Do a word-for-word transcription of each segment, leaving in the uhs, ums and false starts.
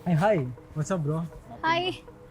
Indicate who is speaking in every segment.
Speaker 1: Hey, hi. What's up, bro?
Speaker 2: Hi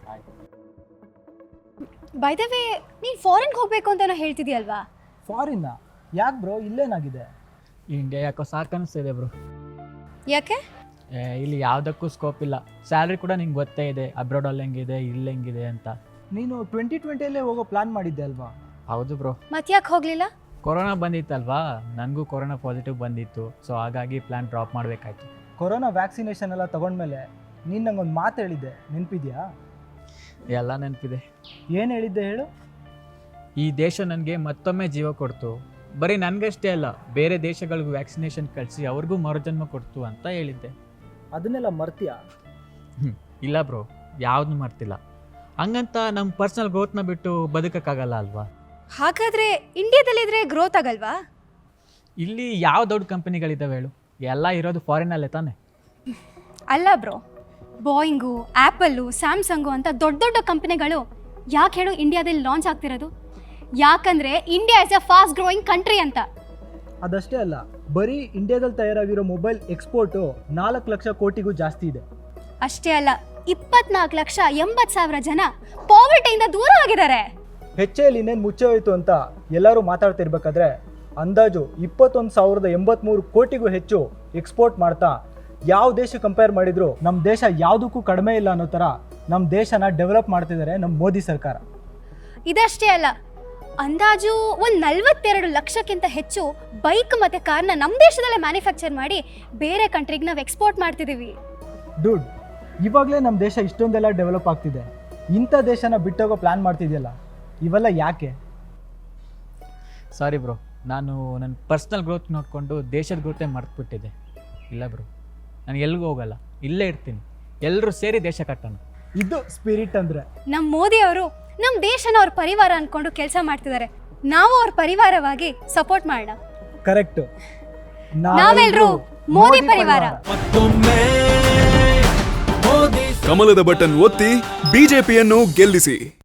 Speaker 2: by the way ನೀನು ಫಾರಿನ್ಗೆ ಹೋಗಬೇಕು ಅಂತ ಏನೋ ಹೇಳ್ತಿದ್ಯಲ್ವಾ?
Speaker 1: ಫಾರಿನ್ನ ಯಾಕೆ ಬ್ರೋ? ಇಲ್ಲೇನಾಗಿದೆ?
Speaker 3: ಇಂಡಿಯಾ ಯಾಕೋ ಸಾಕು ಅನಿಸ್ತಿದೆ ಬ್ರೋ.
Speaker 2: ಯಾಕೆ?
Speaker 3: ಇಲ್ಲಿ ಯಾವುದಕ್ಕೂ ಸ್ಕೋಪ್ ಇಲ್ಲ. ಸ್ಯಾಲ್ರಿ ಕೂಡ ನಿಂಗೆ ಗೊತ್ತೇ ಇದೆ, ಅಬ್ರಾಡಲ್ಲಿ ಹೆಂಗಿದೆ, ಇಲ್ಲಿ ಹೆಂಗಿದೆ ಅಂತ.
Speaker 1: ನೀನು ಟ್ವೆಂಟಿ ಟ್ವೆಂಟಿಯಲ್ಲೇ ಹೋಗೋ ಪ್ಲಾನ್ ಮಾಡಿದ್ದೆ ಅಲ್ವಾ?
Speaker 3: ಹೌದು ಬ್ರೋ.
Speaker 2: ಮತ್ತೆ ಯಾಕೆ ಹೋಗಲಿಲ್ಲ?
Speaker 3: ಕೊರೋನಾ ಬಂದಿತ್ತಲ್ವಾ, ನನಗೂ ಕೊರೋನಾ ಪಾಸಿಟಿವ್ ಬಂದಿತ್ತು. ಸೊ ಹಾಗಾಗಿ ಪ್ಲ್ಯಾನ್ ಡ್ರಾಪ್ ಮಾಡಬೇಕಾಯ್ತು.
Speaker 1: ಕೊರೋನಾ ವ್ಯಾಕ್ಸಿನೇಷನ್ ಎಲ್ಲ ತಗೊಂಡ್ಮೇಲೆ ನೀನು ನಂಗೊಂದು ಮಾತು ಹೇಳಿದ್ದೆ, ನೆನಪಿದ್ಯಾ?
Speaker 3: ಎಲ್ಲ ನೆನಪಿದೆ.
Speaker 1: ಏನು ಹೇಳಿದ್ದೆ ಹೇಳು?
Speaker 3: ಈ ದೇಶ ನನಗೆ ಮತ್ತೊಮ್ಮೆ ಜೀವ ಕೊಡ್ತು, ಬರೀ ನನಗಷ್ಟೇ ಅಲ್ಲ ಬೇರೆ ದೇಶಗಳಿಗೂ ವ್ಯಾಕ್ಸಿನೇಷನ್ ಕಳಿಸಿ ಅವ್ರಿಗೂ ಮರುಜನ್ಮ ಕೊಡ್ತು ಅಂತ ಹೇಳಿದ್ದೆ.
Speaker 1: ಅದನ್ನೆಲ್ಲ ಮರ್ತೀಯಾ?
Speaker 3: ಹ್ಞೂ ಇಲ್ಲ ಬ್ರೋ, ಯಾವ್ದು ಮರ್ತಿಲ್ಲ. ಹಂಗಂತ ನಮ್ಮ ಪರ್ಸ್ನಲ್ ಗ್ರೋತ್ನ ಬಿಟ್ಟು ಬದುಕೋಕ್ಕಾಗಲ್ಲ ಅಲ್ವಾ?
Speaker 2: ಹಾಗಾದ್ರೆ ಇಂಡಿಯಾದಲ್ಲಿದ್ರೆ ಗ್ರೋತ್ ಆಗಲ್ವಾ?
Speaker 3: ಇಲ್ಲಿ ಯಾವ ದೊಡ್ಡ ಕಂಪನಿಗಳಿದ್ದಾವೆ ಹೇಳು? ಎಲ್ಲ ಇರೋದು ಫಾರಿನಲ್ಲೇ ತಾನೆ.
Speaker 2: ಅಲ್ಲ ಬ್ರೋ, ಬೋಯಿಂಗು, ಆ್ಯಪಲ್ಲು, ಸ್ಯಾಮ್ಸಂಗು ಅಂತ ದೊಡ್ಡ ದೊಡ್ಡ ಕಂಪನಿಗಳು ಯಾಕೆ ಹೇಳು ಇಂಡಿಯಾದಲ್ಲಿ ಲಾಂಚ್ ಆಗ್ತಿರೋದು? ಯಾಕಂದರೆ India is a fast growing country ಅಂತ.
Speaker 1: ಅದಷ್ಟೇ ಅಲ್ಲ, ಬರೀ ಇಂಡಿಯಾದಲ್ಲಿ ತಯಾರಾಗಿರೋ ಮೊಬೈಲ್ ಎಕ್ಸ್ಪೋರ್ಟು ನಾಲ್ಕು ಲಕ್ಷ ಕೋಟಿಗೂ ಜಾಸ್ತಿ ಇದೆ.
Speaker 2: ಅಷ್ಟೇ ಅಲ್ಲ, ಇಪ್ಪತ್ನಾಲ್ಕು ಲಕ್ಷ ಎಂಬತ್ತು ಸಾವಿರ ಜನ ಪಾವರ್ಟಿಯಿಂದ ದೂರ ಆಗಿದ್ದಾರೆ.
Speaker 1: ಹೆಚ್ಚೆಯಲ್ಲಿ ಇನ್ನೇನು ಮುಚ್ಚೆ ಹೋಯಿತು ಅಂತ ಎಲ್ಲರೂ ಮಾತಾಡ್ತಿರ್ಬೇಕಾದ್ರೆ ಅಂದಾಜು ಇಪ್ಪತ್ತೊಂದು ಸಾವಿರದ ಎಂಬತ್ತ್ಮೂರು ಕೋಟಿಗೂ ಹೆಚ್ಚು ಎಕ್ಸ್ಪೋರ್ಟ್ ಮಾಡ್ತಾ ಯಾವ ದೇಶ ಕಂಪೇರ್ ಮಾಡಿದ್ರು ನಮ್ಮ ದೇಶ ಯಾವುದಕ್ಕೂ ಕಡಿಮೆ ಇಲ್ಲ ಅನ್ನೋ ಥರ ನಮ್ಮ ದೇಶನ ಡೆವಲಪ್ ಮಾಡ್ತಿದ್ದಾರೆ ನಮ್ಮ ಮೋದಿ ಸರ್ಕಾರ.
Speaker 2: ಇದಷ್ಟೇ ಅಲ್ಲ, ಅಂದಾಜು ಒಂದು ನಲ್ವತ್ತೆರಡು ಲಕ್ಷಕ್ಕಿಂತ ಹೆಚ್ಚು ಬೈಕ್ ಮತ್ತು ಕಾರ್ನ ನಮ್ಮ ದೇಶದಲ್ಲೇ ಮ್ಯಾನುಫ್ಯಾಕ್ಚರ್ ಮಾಡಿ ಬೇರೆ ಕಂಟ್ರಿಗೆ ನಾವು ಎಕ್ಸ್ಪೋರ್ಟ್ ಮಾಡ್ತಿದ್ದೀವಿ.
Speaker 1: ಡುಡ್, ಇವಾಗಲೇ ನಮ್ಮ ದೇಶ ಇಷ್ಟೊಂದೆಲ್ಲ ಡೆವಲಪ್ ಆಗ್ತಿದೆ, ಇಂಥ ದೇಶನ ಬಿಟ್ಟೋಗೋ ಪ್ಲ್ಯಾನ್ ಮಾಡ್ತಿದೆಯಲ್ಲ, ಇವೆಲ್ಲ ಯಾಕೆ?
Speaker 3: ಸಾರಿ ಬ್ರೋ, ನಾನು ನನ್ನ ಪರ್ಸ್ನಲ್ ಗ್ರೋತ್ ನೋಡಿಕೊಂಡು ದೇಶದ ಗ್ರೋತೆ ಮರ್ತ್ಬಿಟ್ಟಿದ್ದೆ. ಇಲ್ಲ ಬ್ರೋ, ನಾನು ಎಲ್ಲಿಗೂ ಹೋಗಲ್ಲ, ಇಲ್ಲೇ ಇರ್ತೀನಿ. ಎಲ್ಲರೂ ಸೇರಿ ದೇಶ ಕಟ್ಟೋಣ.
Speaker 1: ಇದು ಸ್ಪಿರಿಟ್ ಅಂದರೆ.
Speaker 2: ನಮ್ಮ ಮೋದಿ ಅವರು ನಮ್ಮ ದೇಶನ ಅವ್ರ ಪರಿವಾರ ಅಂದ್ಕೊಂಡು ಕೆಲಸ ಮಾಡ್ತಿದ್ದಾರೆ. ನಾವು ಅವ್ರ ಪರಿವಾರವಾಗಿ ಸಪೋರ್ಟ್ ಮಾಡೋಣ.
Speaker 1: ಕರೆಕ್ಟು.
Speaker 2: ನಾವೆಲ್ಲರೂ ಮೋದಿ ಪರಿವಾರ.
Speaker 4: ಕಮಲದ ಬಟನ್ ಒತ್ತಿ ಬಿಜೆಪಿಯನ್ನು ಗೆಲ್ಲಿಸಿ.